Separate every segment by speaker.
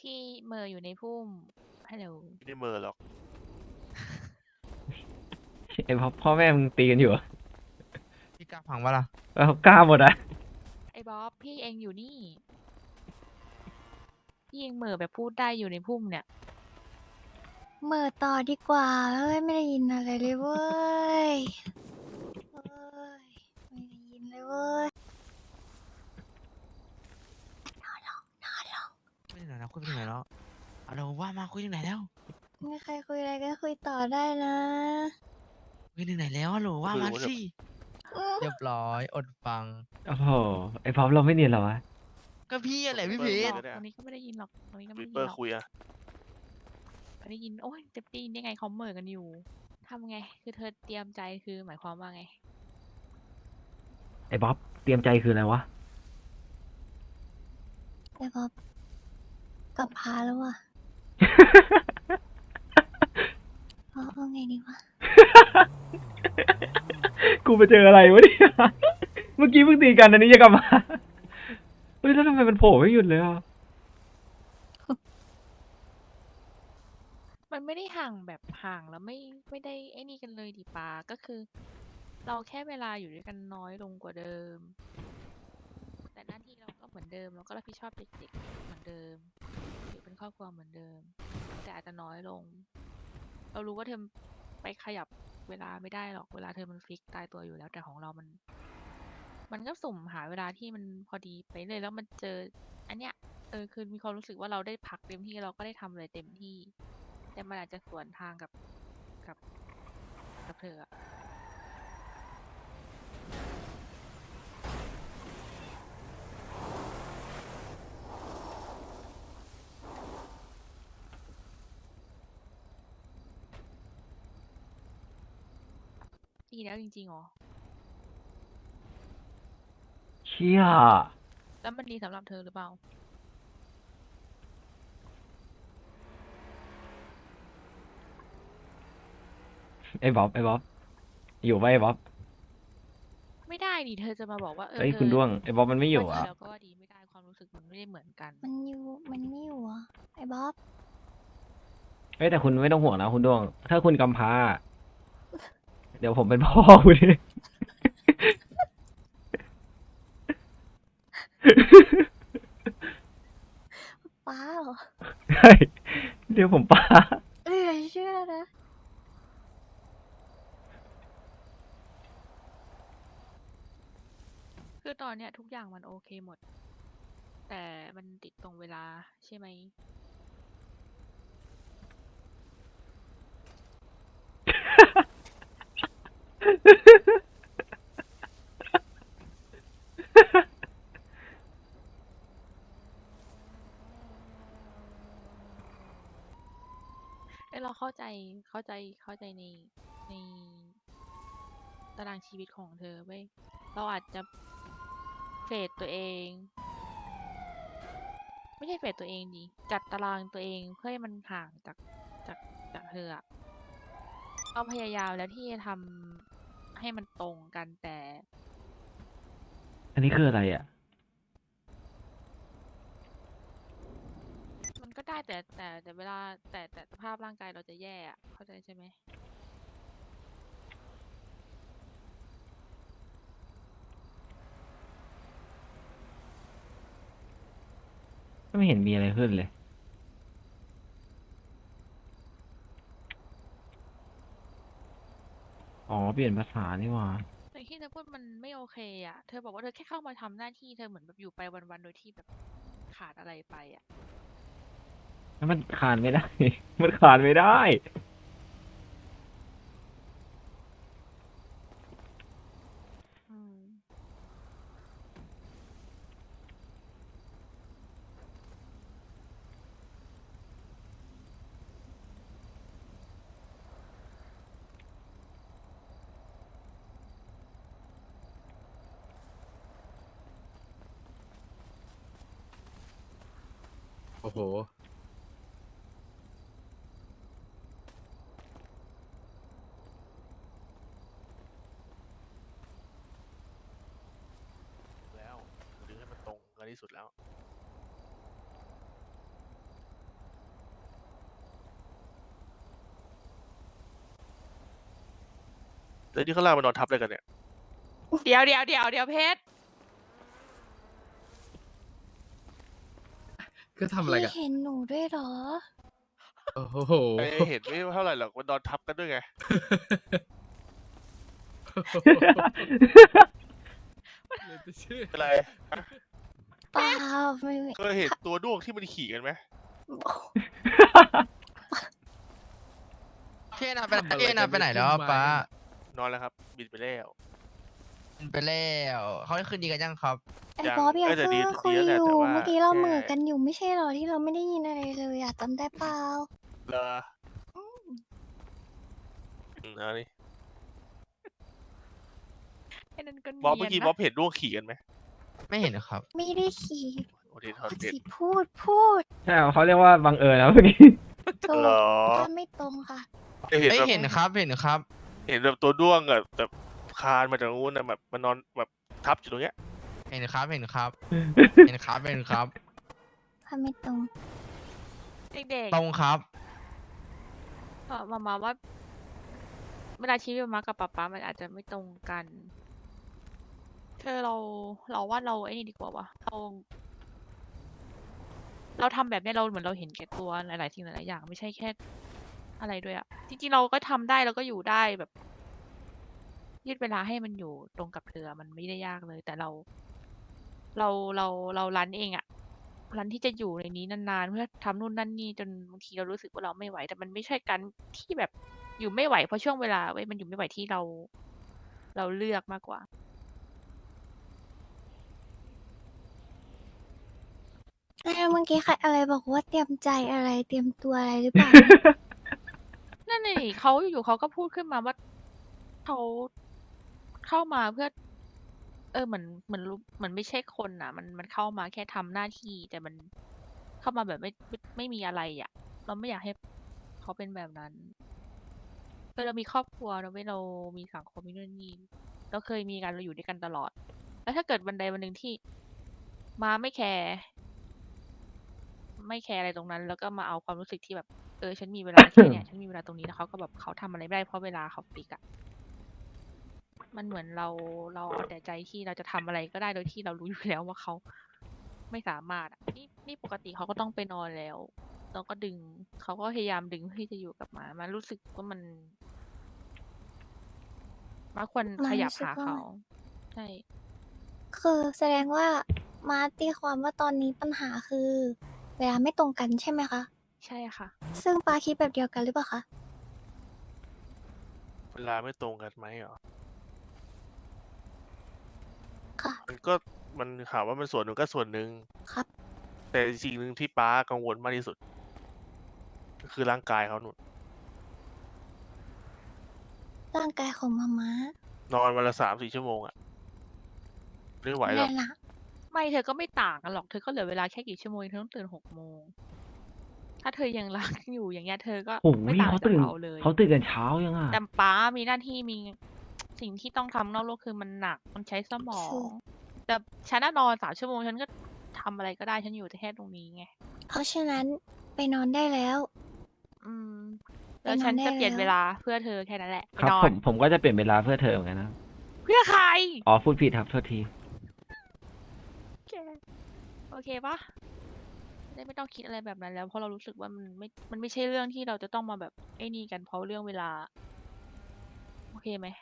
Speaker 1: พี่เมออยู่ในพุ่มฮัลโหล
Speaker 2: ไม่ได้เมอหรอก
Speaker 3: ไอ้พ่อแม่มึงตีกันอยู่เหรอ
Speaker 4: พี่กล้าพังวะล่ะ
Speaker 3: แล้วกล้าหมดอ่ะ
Speaker 1: ไอ้บ๊อบพี่เองอยู่นี่พี่เองเหมอแบบพูดได้อยู่ในพุ่มเนี่ย
Speaker 5: เหม่อต่อดีกว่าเฮ้ยไม่ได้ยินอะไรเลยเว้ยเฮ้ยไม่ได้ยินเลยเว้ยนอนลงนอนลง
Speaker 4: คุยถึงไหนแล้วคุยไปถึงไหนแล้วเอาเราว่ามาคุยถึงไหนแล้ว
Speaker 5: ไม่ใครคุยอะไรก็คุยต่อได้นะ
Speaker 4: คุยถึงไหนแล้วฮัลโหลว่ามาสิ
Speaker 5: อื้อ
Speaker 4: เรียบร้อยอดฟัง
Speaker 3: โอ้โหไอ้พร้อมเราไม่เนียนเหรอวะ
Speaker 4: ก็พี่อะไรพี่เพ
Speaker 1: หร
Speaker 4: ช
Speaker 1: อ
Speaker 4: ร
Speaker 1: กตรงนี้ก็ไม่ได้ยินหรอกตรงนี้ก็ไม่
Speaker 2: วิ
Speaker 1: ได้
Speaker 2: เป
Speaker 1: ยิ
Speaker 2: อน ร์
Speaker 1: หรอก
Speaker 2: คุยอะ
Speaker 1: ไม่ได้ยินโอ้ยจะได้ยินได้ไงเขาเหมอกันอยู่ทำไงคือเธอเตรียมใจคือหมายความว่าไง
Speaker 3: ไอ้บ๊อบเตรียมใจคืออะไรวะ
Speaker 5: ไอ้บ๊อบกลับพาแล้วว่ะเอาไงดีวะ
Speaker 3: กูไปเจออะไรวะเนี่ยเมื่อกี้เพิ่งตีกันอันนี้จะกลับมาเฮ้ยแล้วทำไมมันโผล่ไม่หยุดเลยอ่ะ
Speaker 1: มันไม่ได้ห่างแบบห่างแล้วไม่ได้ไอ้นี่กันเลยดิปาก็คือ เราแค่เวลาอยู่ด้วยกันน้อยลงกว่าเดิม แต่หน้าที่เราก็เหมือนเดิมเราก็รับผิดชอบเด็กๆเหมือนเดิมอยู่เป็นครอบครัวเหมือนเดิม แต่อาจจะน้อยลง เรารู้ว่าเธอไปขยับเวลาไม่ได้หรอกเวลาเธอมันฟิกตายตัวอยู่แล้ว แต่ของเรามันก็สุ่มหาเวลาที่มันพอดีไปเลยแล้วมันเจอ อันเนี้ยคือมีความรู้สึกว่าเราได้พักเต็มที่เราก็ได้ทำอะไรเต็มที่ แต่มันอาจจะสวนทางกับกับเธออะดีแล้วจริงๆเหรอ
Speaker 3: เชี่ย
Speaker 1: แล้วมันดีสำหรับเธอหรือเปล่า
Speaker 3: ไอ้บ๊อบอยู่ปะไอ้บ๊อบ
Speaker 1: ไม่ได้ดิเธอจะมาบอกว่า
Speaker 3: เฮ้ย
Speaker 1: เธ
Speaker 3: คุณ
Speaker 1: อ
Speaker 3: ด้วงไอ้บ๊อบมันไม่อยู่
Speaker 1: ว่า
Speaker 3: อ่ะ
Speaker 1: ดีแล้วก็ว่าดีไม่ได้ความรู้สึกมันไม่ได้เหมือนกัน
Speaker 5: มันอยู่มันไม่อยู่อ่ะไอ้บ๊อบ
Speaker 3: เฮ้ยแต่คุณไม่ต้องห่วงนะคุณด้วง ถ้าคุณกำพร้าเดี๋ยวผมเป็นพ่อคุณเอง
Speaker 5: ป้าเหรอ
Speaker 3: ใช่เดี๋ยวผมป้า
Speaker 5: เหลือเชื่อนะ
Speaker 1: คือตอนเนี้ยทุกอย่างมันโอเคหมด แต่มันติดตรงเวลาใช่ไหม เราเข้าใจในตารางชีวิตของเธอเว้ยเราอาจจะเฟดตัวเอง ไม่ใช่เฟดตัวเองดิจัดตารางตัวเองเพื่อให้มันห่างจากจากเธออะเราพยายามแล้วที่จะทำให้มันตรงกันแต่
Speaker 3: อันนี้คืออะไรอ่ะ
Speaker 1: มันก็ได้แต่เวลาแต่สภาพร่างกายเราจะแย่อะเข้าใจใช่ไหม
Speaker 3: ไม่เห็นมีอะไรขึ้นเลย อ๋อ เปลี่ยนภาษานี่หว่า
Speaker 1: แต่ที่เธอพูดมันไม่โอเคอ่ะเธอบอกว่าเธอแค่เข้ามาทำหน้าที่เธอเหมือนแบบอยู่ไปวันๆโดยที่แบบขาดอะไรไปอ่ะ
Speaker 3: แล้วมันคานไม่ได้ มันคานไม่ได้
Speaker 1: อืม
Speaker 4: โอ้โห
Speaker 2: แล้วดึงให้มันตรงกันที่สุดแล้วแล้วที่เขาลากมานอนทับอะไรกันเนี่ย
Speaker 1: เดี๋ยวเพชร
Speaker 6: ก็ทำอะไร
Speaker 5: พี่
Speaker 6: กัน
Speaker 5: เห็นหนูด้วยเหรอ
Speaker 6: โอ้โห
Speaker 2: ไอ้เห็นไม่เท่าไหร่หรอกมันนอนทับกันด้วยไง
Speaker 6: เลยจะเชื่อ
Speaker 2: เป็นไรฮะ
Speaker 5: เปล่าไม่
Speaker 2: เคยเห็นตัวด้วงที่มันขี่กันไหม
Speaker 4: พี่นาไปไหนแล้วป้าน
Speaker 2: อนแล้วครับ บินไปแล้ว
Speaker 4: ไปแล้วเขาได้คืนดีกันยังครับ
Speaker 5: ไอ้บ๊อบอย่า
Speaker 2: เออแต่
Speaker 5: เพิ่
Speaker 2: ดี
Speaker 5: งคุย
Speaker 2: ดีแล้ว
Speaker 5: อ
Speaker 2: แหละ
Speaker 5: ยู่
Speaker 2: แต่ว่า
Speaker 5: เมื่อกี้เรา
Speaker 2: แค่
Speaker 5: เหมือกันอยู่ไม่ใช่เหรอที่เราไม่ได้ยินอะไรเลยอะจำได้เปล่า
Speaker 2: เลอเอาดิ
Speaker 1: ไอ้นั่นก็
Speaker 2: บ๊อบ
Speaker 1: เนี
Speaker 2: เมื่
Speaker 1: ย
Speaker 2: อน กี้
Speaker 1: นะ
Speaker 2: บ๊อบเห็นด้วงขี่กันไหม
Speaker 4: ไม่เห็นครับ
Speaker 5: ไม่ได้ขี่
Speaker 2: โอเคทอดเด็ด
Speaker 5: สิพูด
Speaker 3: ใช่เขาเรียกว่าบังเอิญนะเมื่อกี้
Speaker 5: ถูก
Speaker 2: เหรอ
Speaker 5: ก็ไม่ตรงค่ะ
Speaker 2: เห็น
Speaker 4: ไม่
Speaker 2: แบบ
Speaker 4: เห็นครับเห็นครับ
Speaker 2: เห็นแบบตัวด้วงอะแบบคานมาจากนู้นนะแบบมันนอนแบบทับอยู่ตรงเนี้ย
Speaker 4: เห็นครับ เห็นครับ
Speaker 5: ถ้าไม่ตรง
Speaker 1: เด็ก
Speaker 4: ตรงครับ
Speaker 1: ๆมาว่า เวลาชีวิตมากับป๊ามันอาจจะไม่ตรงกันเธอเราว่าเราไอ้นี่ดีกว่าวะเราทำแบบเนี้ยเราเหมือนเราเห็นแก่ตัวหลายๆสิ่งหลายๆอย่างไม่ใช่แค่อะไรด้วยอะจริงๆเราก็ทำได้เราก็อยู่ได้แบบ ยืดเวลาให้มันอยู่ตรงกับเธอมันไม่ได้ยากเลย แต่เรารันเองอะรันที่จะอยู่ในนี้นานๆเพื่อทำนู่นนั่นนี่จนบางทีเรารู้สึกว่าเราไม่ไหว แต่มันไม่ใช่การที่แบบอยู่ไม่ไหวเพราะช่วงเวลาเว้ยมันอยู่ไม่ไหวที่เราเลือกมากกว่า
Speaker 5: แล้วเมื่อกี้ใครอะไรบอกว่าเตรียมใจอะไรเตรียมตัวอะไรหรือเปล่า
Speaker 1: นั่นน่ะดิเขาอยู่ๆเขาก็พูดขึ้นมาว่าเขาเข้ามาเพื่อ เหมือนไม่ใช่คนน่ะ มันเข้ามาแค่ทำหน้าที่ แต่มันเข้ามาแบบไม่มีอะไรอ่ะ เราไม่อยากให้เขาเป็นแบบนั้นเรามีครอบครัวเราไม่เรามีสังคมมีนู่นนี่เราเคยมีกันเราอยู่ด้วยกันตลอด แล้วถ้าเกิดวันใดวันหนึ่งที่มาไม่แคร์อะไรตรงนั้น แล้วก็มาเอาความรู้สึกที่แบบ ฉันมีเวลาแค่เนี้ย ฉันมีเวลาตรงนี้แล้วเขาก็แบบเขาทำอะไรไม่ได้เพราะเวลาเขาฟิกอะมันเหมือนเราเอาแต่ใจที่เราจะทำอะไรก็ได้โดยที่เรารู้อยู่แล้วว่าเขาไม่สามารถอะนี่ปกติเขาก็ต้องไปนอนแล้วเราก็ดึงเขาก็พยายามดึงเพื่อที่จะอยู่กับมันรู้สึกว่ามันควรขยับหาเขา ใช่
Speaker 5: คือแสดงว่ามาตีความว่าตอนนี้ปัญหาคือ เวลาไม่ตรงกันใช่ไหมคะ
Speaker 1: ใช่ค่ะ
Speaker 5: ซึ่งปาคิดแบบเดียวกันหรือเปล่าคะ
Speaker 2: เวลาไม่ตรงกันไหมเหรอ
Speaker 5: ค่ะ
Speaker 2: มันถามว่ามันส่วนหนึ่งก็ส่วนหนึ่ง
Speaker 5: ครับ
Speaker 2: แต่สิ่งหนึ่งที่ป้ากังวลมากที่สุดก็คือร่างกายเขาหนุน
Speaker 5: ร่างกายของมาม้าน
Speaker 2: อนวันละ3-4 ชั่วโมงอะไม่ไหวหรอก
Speaker 5: แน่นะ
Speaker 1: ไม่เธอก็ไม่ต่างกันหรอกเธอก็เหลือเวลาแค่กี่ชั่วโมงเธอต้องตื่น6 โมงถ้าเธอยังรักอยู่อย่างเงี้ยเธอก็
Speaker 3: โอ้โห
Speaker 1: ไม่ต่าง
Speaker 3: เขา
Speaker 1: จาก
Speaker 3: ตื่น
Speaker 1: เราเลย
Speaker 3: เขาตื่นกันเช้ายังอ่ะ
Speaker 1: แต่ป๊ามีหน้าที่มีสิ่งที่ต้องทำนอกโลกคือมันหนักมันใช้สมอง แต่ฉันน่ะนอน3 ชั่วโมงฉันก็ทำอะไรก็ได้ฉันอยู่แต่แค่ตรงนี้ไง
Speaker 5: เพราะฉะนั้นไปนอนได้แล้ว
Speaker 1: อืม
Speaker 5: ไป
Speaker 1: แล้ว
Speaker 5: นอน
Speaker 1: ฉัน
Speaker 5: ได้
Speaker 1: จะเปลี่ยน
Speaker 5: แล้ว
Speaker 1: เวลาเพื่อเธอแค่นั้นแหละไป
Speaker 3: ครับ
Speaker 1: นอ
Speaker 3: ผ
Speaker 1: น
Speaker 3: มก็จะเปลี่ยนเวลาเพื่อเธอเหมือนกันนะ
Speaker 1: เพื่อใคร
Speaker 3: อ๋อพูดผิดครับโทษที
Speaker 1: แกโอเคปะได้ไม่ต้องคิดอะไรแบบนั้นแล้วเพราะเรารู้สึกว่ามันไม่ใช่เรื่องที่เราจะต้องมาแบบไอ้นี่กันเพราะเรื่องเวลา โอเคไหม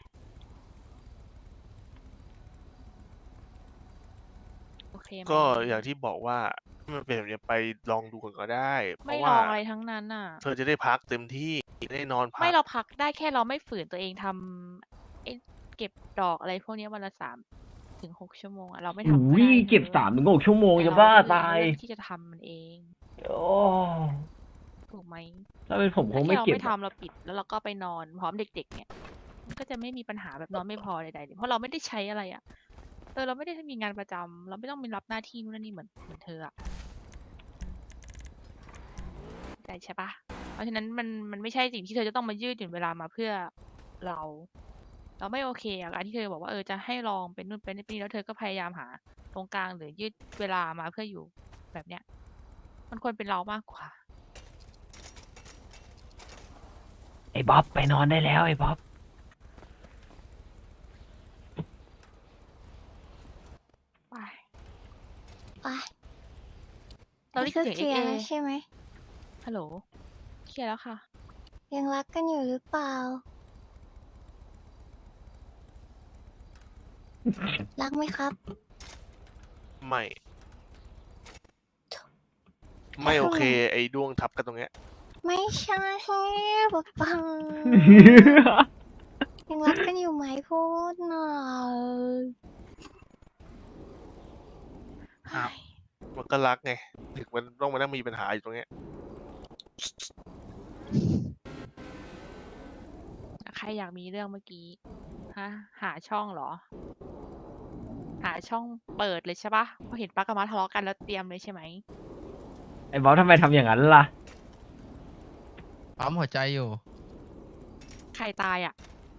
Speaker 1: โอเคไหม
Speaker 2: ก็อย่างที่บอกว่าถ้ามันเป็นแบบนี้ไปลองดูก่อนก็ได้ เพ
Speaker 1: ไม่
Speaker 2: ราะ
Speaker 1: ล
Speaker 2: ว่า
Speaker 1: องอะไรทั้งนั้นน่ะ
Speaker 2: เธอจะได้พักเต็มที่ได้นอนพั
Speaker 1: ไม่
Speaker 2: ก
Speaker 1: เราพักได้แค่เราไม่ฝืนตัวเองทำเก็บดอกอะไรพวกเนี้ยวันละ3 ถึง 6 ชั่วโมงอะเราไม่ทำก็
Speaker 3: อุ้ย
Speaker 1: ได้
Speaker 3: เก็บ
Speaker 1: ธอ
Speaker 3: 3 ถึง 6 ชั่วโมง
Speaker 1: แต่
Speaker 3: จะ
Speaker 1: เรา
Speaker 3: บ้า
Speaker 1: เลือก
Speaker 3: ตาย
Speaker 1: เลือกที่จะทำมันเอง
Speaker 3: โอ้
Speaker 1: ถูกไหม
Speaker 3: ถ้าเป็นผมค
Speaker 1: ถ้าง แค่
Speaker 3: ไม่
Speaker 1: เรา
Speaker 3: เก็บ
Speaker 1: ไม่ทำเราปิดแล้วเราก็ไปนอนพร้อมเด็กๆเนี่ยมันก็จะไม่มีปัญหาแบบนอนไม่พอใดๆเลยเพราะเราไม่ได้ใช้อะไรอ่ะเราไม่ได้มีงานประจำเราไม่ต้องมีรับหน้าที่นู่นนนนี่เหมือนเธออ่ะเข้าใจใช่ปะเพราะฉะนั้นมันไม่ใช่สิ่งที่เธอจะต้องมายืดหยุ่นเวลามาเพื่อเราไม่โอเคอะการที่เธอบอกว่าจะให้ลองเป็นนู่นเป็นนี่แล้วเธอก็พยายามหาตรงกลางหรือยืดเวลามาเพื่ออยู่แบบเนี้ยมันควรเป็นเรามากกว่า
Speaker 3: ไอ้บ๊อบไปนอนได้แล้วไอ้บ๊อบ
Speaker 5: ไป
Speaker 1: เราได้
Speaker 5: ก็
Speaker 1: ยิน
Speaker 5: เค
Speaker 1: เสี
Speaker 5: ลี
Speaker 1: ยง
Speaker 5: ยร์
Speaker 1: เอ
Speaker 5: แล้วใช่ไหม
Speaker 1: ฮัลโหลเคลียร์แล้วค่ะ
Speaker 5: ยังรักกันอยู่หรือเปล่า รักไหมครับ
Speaker 2: ไม่ ไม่โอเค ไอ้ด้วงทับกันตรงเนี้ย
Speaker 5: ไม่ใช่ป๊าปัง ยังรักกันอยู่ไหมพูดหน่อย
Speaker 4: ครับ
Speaker 2: มันก็รักไง ถึงมันต้องมานั่งมีปัญหาอยู่ตรงเนี้ย
Speaker 1: ใครอยากมีเรื่องเมื่อกี้ ฮะ หาช่องเหรอ หาช่องเปิดเลยใช่ปะพอเห็นป้ากับมาทะเลาะกันแล้วเตรียมเลยใช่ไหม
Speaker 3: ไอ้บ๊อบทำไมทำอย่างนั้นล่ะ
Speaker 4: ปั๊มหัวใจอยู่
Speaker 1: ใครตายอ่ะ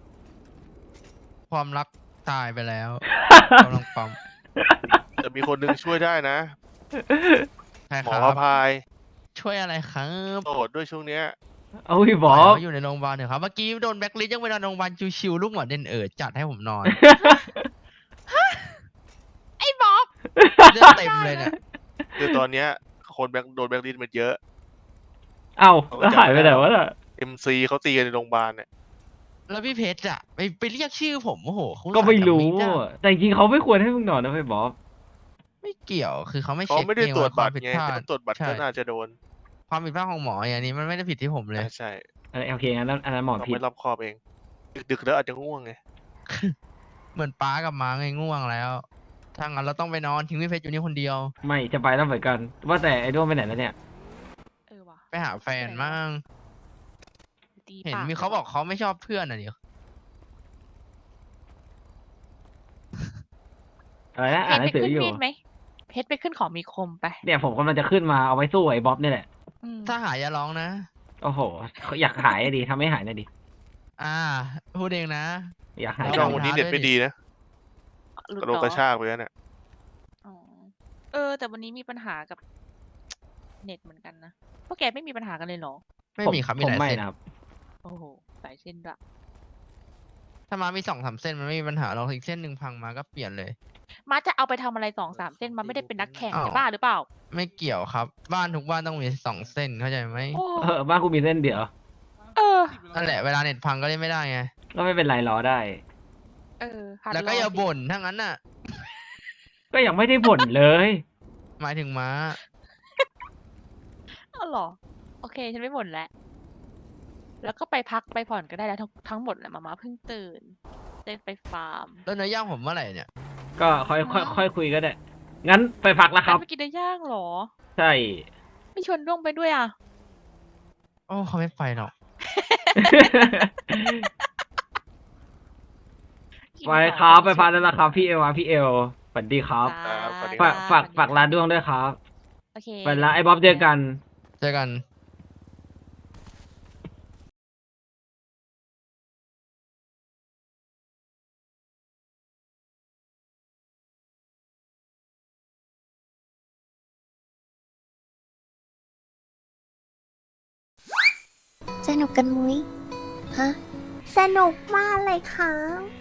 Speaker 4: ความรักตายไปแล้วกำลังปั๊ม
Speaker 2: แต่มีคนหนึงช่วยได้นะ
Speaker 4: ใช่
Speaker 2: หม
Speaker 4: ค
Speaker 2: อ
Speaker 4: รั
Speaker 2: พระ
Speaker 4: บ
Speaker 2: พาย
Speaker 4: ช่วยอะไรครับ
Speaker 2: โสดด้วยช่วงเนี้ย
Speaker 3: เอาพี่
Speaker 4: ป
Speaker 3: บ๊
Speaker 4: ล่
Speaker 3: อ
Speaker 4: อย
Speaker 3: บ
Speaker 4: เขาอยู่ในโรงพยาบาลเถอะครับ เมื่อกี้โดนแบล็คลิสต์ยังเวลาโรงพยาบาลชิวๆลูกหมอเด่นจัดให้ผมนอน
Speaker 1: ไอ้บ๊อบ
Speaker 4: เลือดเต็มเลยเนี่ย
Speaker 2: คือตอนเนี้ยคนโดนแบล็คลิสต์มันเยอะ
Speaker 3: เอ้า
Speaker 2: เขาก็
Speaker 3: แล้ว
Speaker 2: จำ
Speaker 3: หายไป
Speaker 2: ไม่
Speaker 3: ไห
Speaker 2: ได้
Speaker 3: น
Speaker 2: หรอก
Speaker 3: วะน่ะ
Speaker 2: MC เขาตีกันในโรงพยาบาลเนี่ย
Speaker 4: แล้วพี่เพชรอะไปเรียกชื่อผมโอ้โหเขา
Speaker 3: ก็ไม่รู้
Speaker 4: อุตส่าห์จำอะ
Speaker 3: แต่จริงๆเขาไม่ควรให้มึงนอนนะพี่บ๊อบ
Speaker 4: ไม่เกี่ยวคือเขาไม่
Speaker 2: เขา
Speaker 4: เช็ค
Speaker 2: ไม่ได้
Speaker 4: เอง
Speaker 2: ตรวจ
Speaker 4: ว่าค
Speaker 2: บั
Speaker 4: วาม
Speaker 2: ตร
Speaker 4: ผิด
Speaker 2: ไง
Speaker 4: พลาด
Speaker 2: ถ้าตรวจบัตร
Speaker 4: ใช่
Speaker 2: ก็น่าจะโดน
Speaker 4: ความผิดพลาดของหมออย่างนี้มันไม่ได้ผิดที่ผมเลย
Speaker 2: ใช่
Speaker 3: โอเคงั้นอันนั้นหมอ
Speaker 2: เรา
Speaker 3: ผิด
Speaker 2: ไม่รอบคอบเอง ดึกๆแล้วอาจจะง่วงไง
Speaker 4: เหมือนป้ากับม้าไงง่วงแล้ว ถ้างั้นเราต้องไปนอนทิ้งพี่เพชรอยู่นี่คนเดียว
Speaker 3: ไม่จะไปแล้วเหมือนกัน ว่าแต่ไอ้ด้วงไปไหนแล้วเนี่ย
Speaker 1: เออว่ะ
Speaker 4: ไปหาแฟนมั่ง
Speaker 1: ตี
Speaker 4: เห็น
Speaker 1: ป
Speaker 4: มีเขาบอกเขาไม่ชอบเพื่อนอ่ะเดี๋ยว
Speaker 3: อะไรนะ
Speaker 1: เพ
Speaker 3: อ่าน
Speaker 1: ช
Speaker 3: ห
Speaker 1: ร
Speaker 3: นั
Speaker 1: ไป
Speaker 3: งสือ
Speaker 1: ขึ้น
Speaker 3: อยู่
Speaker 1: มีดไหมเพชรไปขึ้นของมีคมไป
Speaker 3: เนี่ยผมกำลังจะขึ้นมาเอาไว้สู้ไอ้บ๊อบนี่แหละ
Speaker 1: อืม
Speaker 4: ถ้าหายอย่าร้องนะ
Speaker 3: โอ้โห อยากหายอะดิทำให้หายหน่อยดิ
Speaker 4: พูดเองนะ
Speaker 3: อยากหาย
Speaker 4: ไม่
Speaker 2: ช่
Speaker 4: ต้
Speaker 2: อ
Speaker 4: อง
Speaker 2: วันนี้
Speaker 4: ท้า
Speaker 2: เน็ต
Speaker 4: ด้วย
Speaker 2: ไม่
Speaker 4: ดิ
Speaker 2: ดีนะ
Speaker 1: หลุด
Speaker 2: กระโดด
Speaker 1: เหร
Speaker 2: กระ
Speaker 1: อ
Speaker 2: ชากไปแล้วเนี่ย
Speaker 1: อ๋อเออ แต่วันนี้มีปัญหากับ เน็ตเหมือนกันนะพวกแกไม่มีปัญหากันเลยเหรอ
Speaker 4: ไม่มีครับมี
Speaker 3: ผม
Speaker 4: หลาย
Speaker 3: ไม่
Speaker 4: เส้น
Speaker 3: นะครับ
Speaker 1: โอ้โหสายเส้นละ
Speaker 4: ถ้ามามี2-3เส้นมันไม่มีปัญหาเราอีกเส้นหนึ่งพังมาก็เปลี่ยนเลย
Speaker 1: มาจะเอาไปทำอะไร2-3 เส้นมาไม่ได้เป็นนักแข่ง
Speaker 4: อ้าว
Speaker 1: จะบ้าหรือเปล่า
Speaker 4: ไม่เกี่ยวครับ บ้านทุกบ้านต้องมี2เส้นเข้าใจไหม
Speaker 1: โอ้
Speaker 3: บ้านกูมีเส้นเดียว
Speaker 1: เออ
Speaker 4: นั่นแหละเวลาเน็ตพังก็เล่นไม่ได้ไง
Speaker 3: ก็ไม่เป็นไรรอได้
Speaker 1: เออหัด
Speaker 4: แล้วก็
Speaker 1: ร
Speaker 4: อย่า
Speaker 1: สิ
Speaker 4: บ่นถ้างั้นน่ะ
Speaker 3: ก็ยังไม่ได้บ่นเลย
Speaker 4: หมายถึงม้า
Speaker 1: เอาเหรอ โอเค ฉันไม่บ่นแล้ว แล้วก็ไปพักไปผ่อนก็ได้แล้วทั้งหมดแหละมาเพิ่งตื่นเต้นไปฟาร์ม
Speaker 4: แล้วเนื้อย่างผมเมื่อไหร่เนี่ย
Speaker 3: ก็ค่อยคุยก็ได้ งั้นไปพักแล้วครับ
Speaker 1: ไปกินเนื้อย่างเหรอ
Speaker 3: ใช่
Speaker 1: ไม่ชวนด้วงไปด้วยอ่ะ
Speaker 4: โอ้เขาไม่ไปหรอก
Speaker 1: กิน
Speaker 3: ไป
Speaker 1: ของ
Speaker 3: ครับ
Speaker 1: น
Speaker 3: ไปพักแล้วนะครับ พี่เอลพี่เอลสวัสดีครับ
Speaker 1: จ้า
Speaker 2: ครับสวัสดี
Speaker 3: ฝาก
Speaker 2: ครับ
Speaker 3: ฝากร้านด้วงด้วยครับ
Speaker 1: โอเค
Speaker 3: ไปละไอ้บ๊อบเจอกัน
Speaker 4: เจอกัน
Speaker 5: สนุกกันมุ้ย ฮะ
Speaker 7: สนุกมากเลยครับ